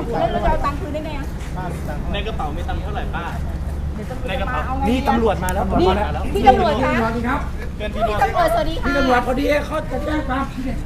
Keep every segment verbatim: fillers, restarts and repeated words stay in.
แล้วเราจะเอาตังค์คืนได้ไงอ่ะในกระเป๋ามีตังค์เท่าไหร่ป้าในกระเป๋านี่ตำรวจมาแล้วนี่พี่ตำรวจคะครับเกินที่พี่นอนตำรวจสวัสดีพี่ค่ะตำรวจพอดีเขาจะแจ้งความ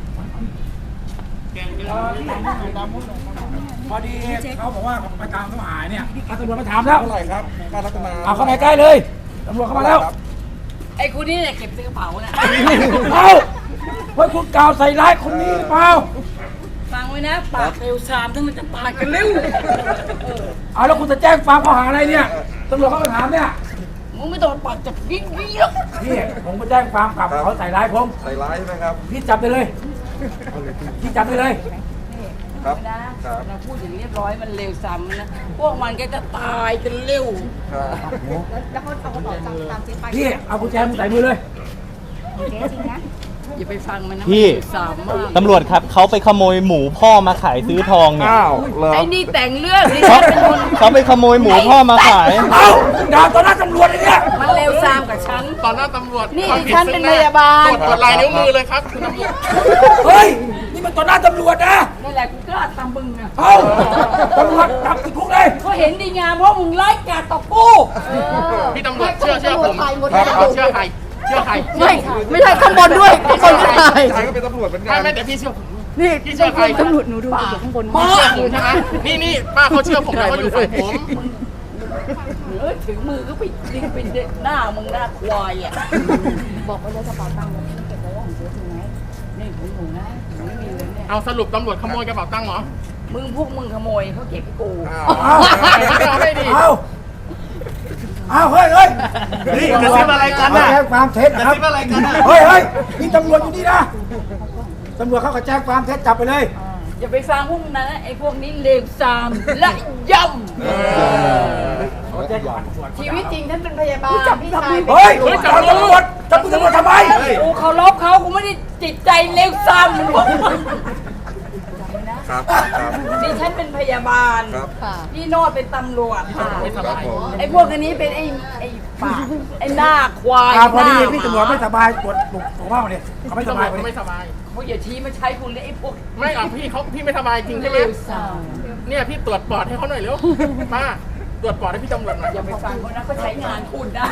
พอดีเขาบอกว่าไปตามเขาหายเนี่ยตำรวจมาถามแล้วเท่าไหร่ครับป้ารัตนาเอาเข้าไปใกล้เลยตำรวจเข้ามาแล้วไอ้คนนี้เนี่ยเก็บใส่กระเป๋าน่ะเอาเฮ้ยคุณกล่าวใส่ร้ายคนนี้หรือเปล่าฟังไว้นะปากเร็วซามทั้งมันจะปากกันเร็วเอาแล้วคุณจะแจ้งความข้อหาอะไรเนี่ยตำรวจเขามาถามเนี่ยมึงไม่ต้องปากจับยิ่งยิ่งหรอกพี่ผมไปแจ้งความกลับเขาใส่ร้ายผมใส่ร้ายใช่ไหมครับพี่จับไปเลยพี่จับไปเลยครับนะครับ เราพูดอย่างเรียบร้อยมันเร็วซ้ำนะพวกมันก็จะตายกันเร็วครับแล้วเขาเอากระเป๋าตังค์ตามเจ๊ไปพี่เอากุญแจมือใส่มือเลยเจ๊จริงนะอย่าไปฟังมันนะพี่มันเร็วซ้ำมากตำรวจครับเขาไปขโมยหมูพ่อมาขายซื้อทองเนี่ยอ้าวเหรอไอ้นี่แต่งเรื่องนี่เขาฉันเป็นคนเขาไปขโมยหมูพ่อมาขายเอาด่าต่อหน้าตำรวจเลยเนี่ยมันเร็วซ้ำกับฉันต่อหน้าตำรวจนี่ความผิดฉันเป็นพยาบาลตรวจตรวจลายนิ้วมือเลยครับคุณตำรวจเฮ้ยนี่มันต่อหน้าตำรวจนะนั่นแหละกูกล้าตามมึงอ่ะเอาตำรวจจับติดคุกเลยก็เห็นดีงามเพราะมึงไล่กาดต่อกูพี่ตำรวจเชื่อเชื่อผมหมดคแล้รับวเชื่อใครเชื่อใครไม่ไม่ใช่ข้างบนด้วยข้างบนก็ตายชายก็เป็นตำรวจเหมือนกัไม่นไม่แต่พี่เชื่อผมนี่พี่เชื่อใครตำรวจหนูดูอยู่ข้างบนพี่เชื่อผมใช่ไหมนี่นี่ป้าเขาเชื่อผมแล้วเขาอยู่ฝั่งผมเออถึงมือก็ไปยิงไปเด็ดหน้ามึงหน้าควายอ่ะบอกไปเลยกระเป๋าตังค์เราเก็บไว้ของเจ๊จริงไหมนี่ของหนูนะหนูไม่มีเลยเนี่ยเอาสรุปตำรวจขโมยกระเป๋าตังค์เหรอมึงพวกมึงขโมยเขาเก็บให้กูอ้าวเอาไม่ดีเอาเอาเฮ้ยเฮ้ยนี่กระซิบอะไรกันน่ะแจ้งความเท็จนะครับกระซิบอะไรกันน่ะเฮ้ยเฮ้ยมีตำรวจอยู่นี่นะตำรวจเขาก็แจ้งความเท็จจับไปเลยอย่าไปฟังพวกนั้นนะไอ้พวกนี้เลวทรามและย่เขาแจ้งความำชีวิตจริงฉันเป็นพยาบาลพี่ชายเฮ้ยจับตำรวจจับตำรวจทำไมกูเคารพเขากูไม่ได้จิตใจเลวทรามเหมือนพวกมันครับครับดิฉันเป็นพยาบาลครับพี่โนดเป็นตำรวจไม่สบายไอ้พวกอันนี้เป็นไอ้ไอ้ปากไอ้หน้าควายอ่าพอดีหน้าพี่ตำรวจไม่สบายปวดปวดหัวเมาเนี่ยเขาไม่พี่สตำรบาวย จพอเขาดีไม่สบายเขาอย่าชี้มาใช้คุณเลยไอ้พวกไม่อ่ะพี่เขาพี่ไม่สบายจริงใช่ไหมเลวทรามเนี่ยพี่ตรวจปอดให้เขาหน่อยเร็วป้าตรวจปอดให้พี่ตำรวจหน่อยอย่าไปฟังเขานะเขาใช้งานคุณนะ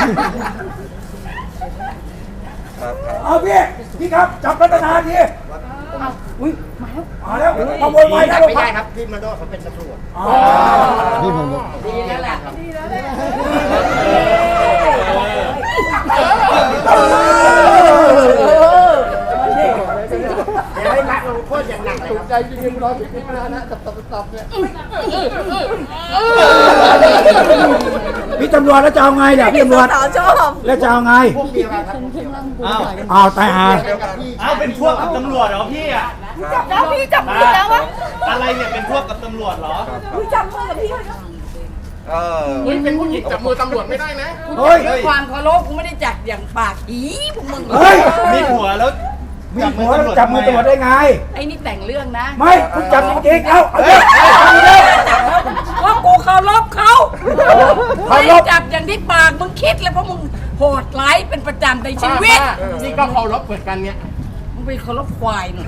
ครับครับเอาพี่พี่ครับจับรัตนาทีอุ้ยมาแล้วมาแล้วขโมยไปนะไม่ได้ครับพี่มาโดเขาเป็นตำรวจอ๋อดีแล้วแหละอย่าให้หนักลงโทษอย่างหนักเลยครับพี่ตำรวจแล้วจะเอาไงเนี่ยพี่ตำรวจแล้วจะเอาไงพวกเดียวกันครับอ้าวอ้าวตายหาเดียวกับพี่อ้าวเป็นพวกกับตำรวจเหรอพี่อ่ะจับแล้วพี่จับมือแล้ววะอะไรเนี่ยเป็นพวกกับตำรวจเหรอพี่จับมือกับพี่เออเฮ้ยเป็นผู้หญิงจับมือตำรวจไม่ได้นะเฮ้ยด้วยความเคารพกูไม่ได้จัดอย่างปากอีพวกมึงเฮ้ยมีผัวแล้วมีหัวแล้วจับมือตำรวจได้ไงไอ้นี่แต่งเรื่องนะไม่คุณจับจริงๆเอาเอาเลยว่ากูเคารพเขาเคารพไม่ได้จับอย่างที่ปากมึงคิดแล้วเพราะมึงโหดร้ายเป็นประจำในชีวิตป้าป้านี่ก็เคารพเหมือนกันเนี่ยมึงไปเคารพควายหน่อย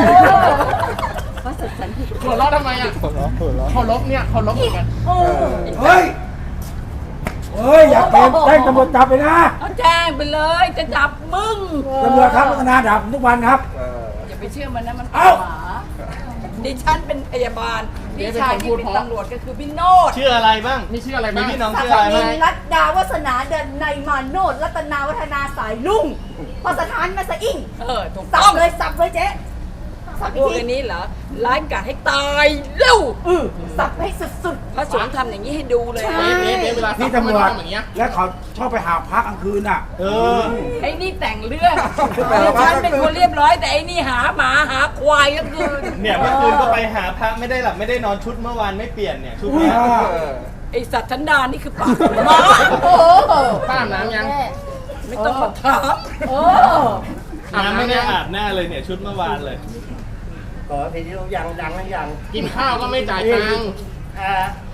หัวเราะทำไมอ่ะเคารพเนี่ยเคารพเหมือนกันเฮ้ยเฮ้ยอย่าเกมแจ้งตำรวจจับไปนะเอาแจ้งไปเลยจะจับมึงตำรวจครับพัฒนาด่าผมทุกวันครับเอออย่าไปเชื่อมันนะมันเป็นเอ้าหมาดิฉันเป็นพยาบาลพี่ชายที่เป็นตำรวจก็คือพี่โนดชื่ออะไรบ้างนี่ชื่ออะไรมีบ้างพี่น้องสัชื่กออะไรนิบ้างนรัตดาวาสนาเดินในมาโนดรัตนาวัฒนาสายลุ่งพอสถานมาสะอิ่งเออถูกสัต้บองเลยสับเลยเจ๊สับพอีวกกทีอันนี้เหรอร้ายกาจให้ตายเร็วสับให้สุดพระสงฆ์ทำอย่างนี้ให้ดูเลยนะเบ๊ะเบ๊ะเวลาพี่ตำรวจอย่างเงี้ยแล้วเขาชอบไปหาพักกลางคืนอ่ะเออไอ้นี่แต่งเรื่องดิฉันเป็นคนเรียบร้อยแต่ไอ้นี่หาหมาหาควายก็คือเนี่ยเมื่อคืนก็ไปหาพระไม่ได้หลับไม่ได้นอนชุดเมื่อวานไม่เปลี่ยนเนี่ยชุดเนี้ยเออไอสัตว์ชันดานนี่คือปากหมาป้าอาบน้ำยังไม่ต้องมาถามน้ำไม่ได้อาบหน้าเลยเนี่ยชุดเมื่อวานเลยขอทีนี้เรายังดังนะยังกินข้าวก็ไม่จ่ายตังค์อ่า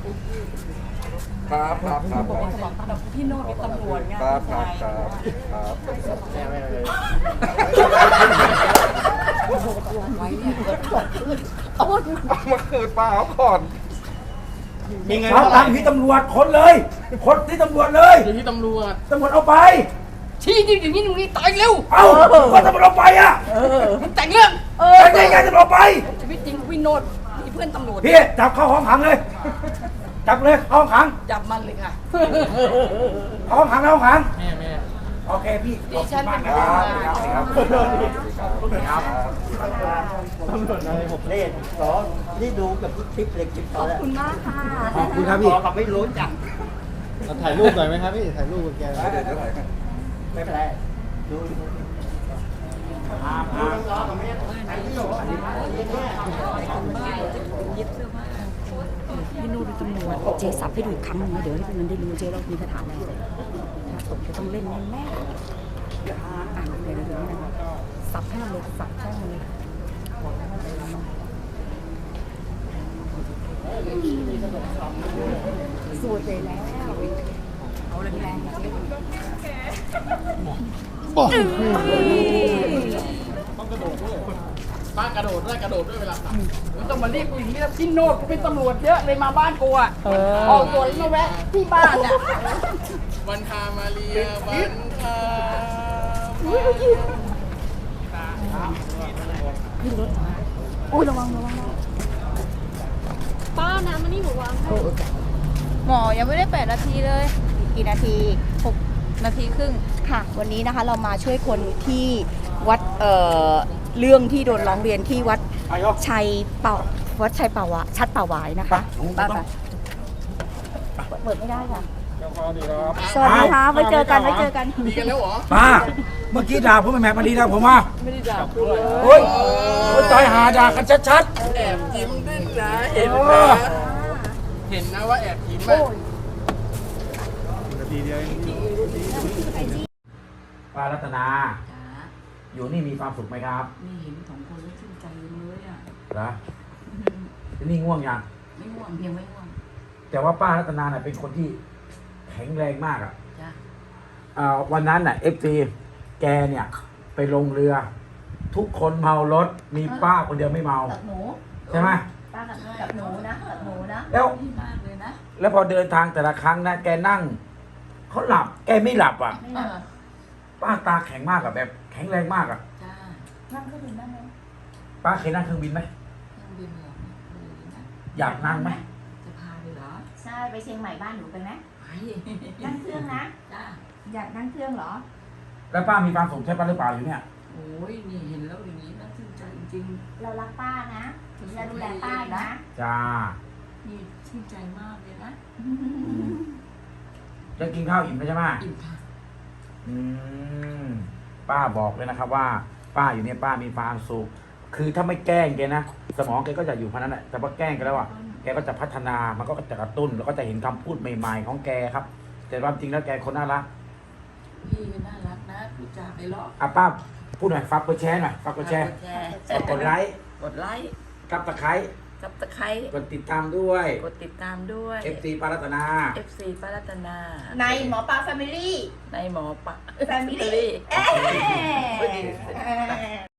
ครับครับครับแต่พี่โน้ตเป็นตำรวจไงครับผู้ครัชาบยครับครับแม่ไม่เลยไว้เนี่ยต้นเอามาคืนป้าเขาก่อนมีเงินรับเท่าไหตัร่งค์ที่ตำรวจคนเลยคนที่ตำรวจเลยอยู่ที่ตำรวจตำรวจเอาไปชี้จริงอย่างนี้มึงนี่ตายเร็วเอ้าก็ตำรวจเอาไปอ่ะมึงแต่งเรื่องแต่ได้ไงตำรวจเอาไปชีวิตจริงวินโนดมีเพื่อนตำรวจพี่จับเข้าห้องขังเลย จับเลยเข้าห้องขังจับมันเลยค่ะเข้าห้องขังเข้าห้องขังแม่แม่โอเคพี่ดิฉันเป็นขอบผู้คุณมากงานนะครับตำรวจอะไรผมนี่สอที่ดูกับคลิปเล็กคลิปขเขาอบแล้วคุณมากค่ะขอบคุณครับพพี่อเขาไม่รู้จักเราถ่ายรูปหน่อยไหมครับพี่ ถ่ายรูปกับแกหน่อยเดี๋ยวเดี๋ยวถ่ายให้ไม่เป็นไรดูดูดูน้ำร้อนเขาไม่ได้ใช้ที่อยู่อันนี้อันนี้แค่เย็บเสื้อผ้าวินโนดเป็นตำรวจเจสับให้ดูอีกครั้งหนึงนะเดี๋ยวให้พวกนั้นได้รู้เจเรามีคาถาอะไรถ้าตกจะต้องเล่นแน่ๆอ่านเลยนะเดี๋ยวนี้นะสับให้มันเลยสับแช่งเลยสวยไปแล้วเอาแรงๆสิป้ากระโดดด้วยกระโดดด้วยเวลาสับไม่ต้องมาเรียกกูอย่างนี้แล้วพี่โนดกูเป็นตำรวจเยอะเลยมาบ้านกูอ่ะออกตัวแล้วมาแวะที่บ้านอ่ะวันทามาเรียวันทาอุ้ยระวังระวังป้าน้ำมันนี่หนูวางให้หมอยังไม่ได้แปดนาทีเลยกี่นาทีหกนาทีครึ่งค่ะ วันนี้นะคะเรามาช่วยคนที่วัดเอ่อเรื่องที่โดนร้องเรียนที่วัดชัยเป่าวัดชัยเป่าวะชัดเป่าหวายนะคะป้าค่ะเปิดไม่ได้ค่ะสวัสดีค่ะไว้เจอกันไว้เจอกันดีกันแล้วเหรอป้า เมื่อกี้ด่าผมไม่แม็กมาดีนะผมว่าไม่ได้ด่ากูเลยโอ้ยโอ้ยตายหาด่ากันชัดแอบยิ้มด้วยนะเห็นเอนะอเห็นนะว่าแอบยิ้มอ่ะนาทีเดียวเองๆป้ารัตนา อยู่นี่มีความสุขไหมครับนี่เห็นสองคนแล้วชื่นใจเลยอ่ะเหรอที่นี่ง่วงยังไม่ง่วงเพียงไม่ง่วงแต่ว่าป้ารัตนาเนี่ยเป็นคนที่แข็งแรงมากอ่ะจ้ะอ่าวันนั้นน่ะเอฟซีแกเนี่ยไปลงเรือ ทุกคนเมารถมีป้าคนเดียวไม่เมากับหนูใช่ไหมป้ากับกับหนูนะกับหนูนะแล้วดีมากเลยนะแล้วพอเดินทางแต่ละครั้งนะแกนั่งเขาหลับ แกไม่หลับอ่ะไม่เอหลับอป้าตาแข็งมากอ่ะแบบ แข็งแรงมากอ่ะจ้านั่งเครื่องบินได้ไหมป้าเคยนั่งเครื่องบินไหมยังบินเหรอไม่เคยนะอยากนั่งไหมจะพาไปเหรอใช่ไปเชียงใหม่บ้านหนูไปไหมไปนั่งเครื่องนะจ้าอยากนั่งเครื่องเหรอแล้วป้ามีความสุขใช่ป้าหรือเปล่าอยู่เนี่ยโอ้ยนี่เห็นแล้วอย่างนี้น่าชื่นใจจริงเรารักป้านะถึงจะดูแลป้านะจ้าๆนี่ชื่นใจมากเลยนะจะกินข้าวอิ่มแล้วใช่ไหมอิ่มค่ะอืมป้าบอกเลยนะครับว่า ป้าอยู่เนี่ยป้ามีความสุขคือถ้าไม่แกล้งแกนะสมองแกก็จะอยู่พันนั้นแหละแต่พอแกล้งกันแล้วอ่ะแกก็จะพัฒนามันก็จะกระตุ้นแล้วก็จะเห็นคำพูดใหม่ๆของแกครับ แต่ความจริงแล้วแกคนน่ารักพี่ก็น่ารักนะพูดจาไปเลาะอ่ะป้าพูดหน่อยฝากกดแชร์หน่อยฝากกดแชร์กดแชร์ฝากกดไลค์กดไลค์กับตะไคร้กับตะไคร้กดติดตามด้วยกดติดตามด้วยเอฟซีป้ารัตนาเอฟ ซี ป้ารัตนาในหมอปลาแฟมิลี่ในหมอปะแฟมิลี่ เอ๊ะ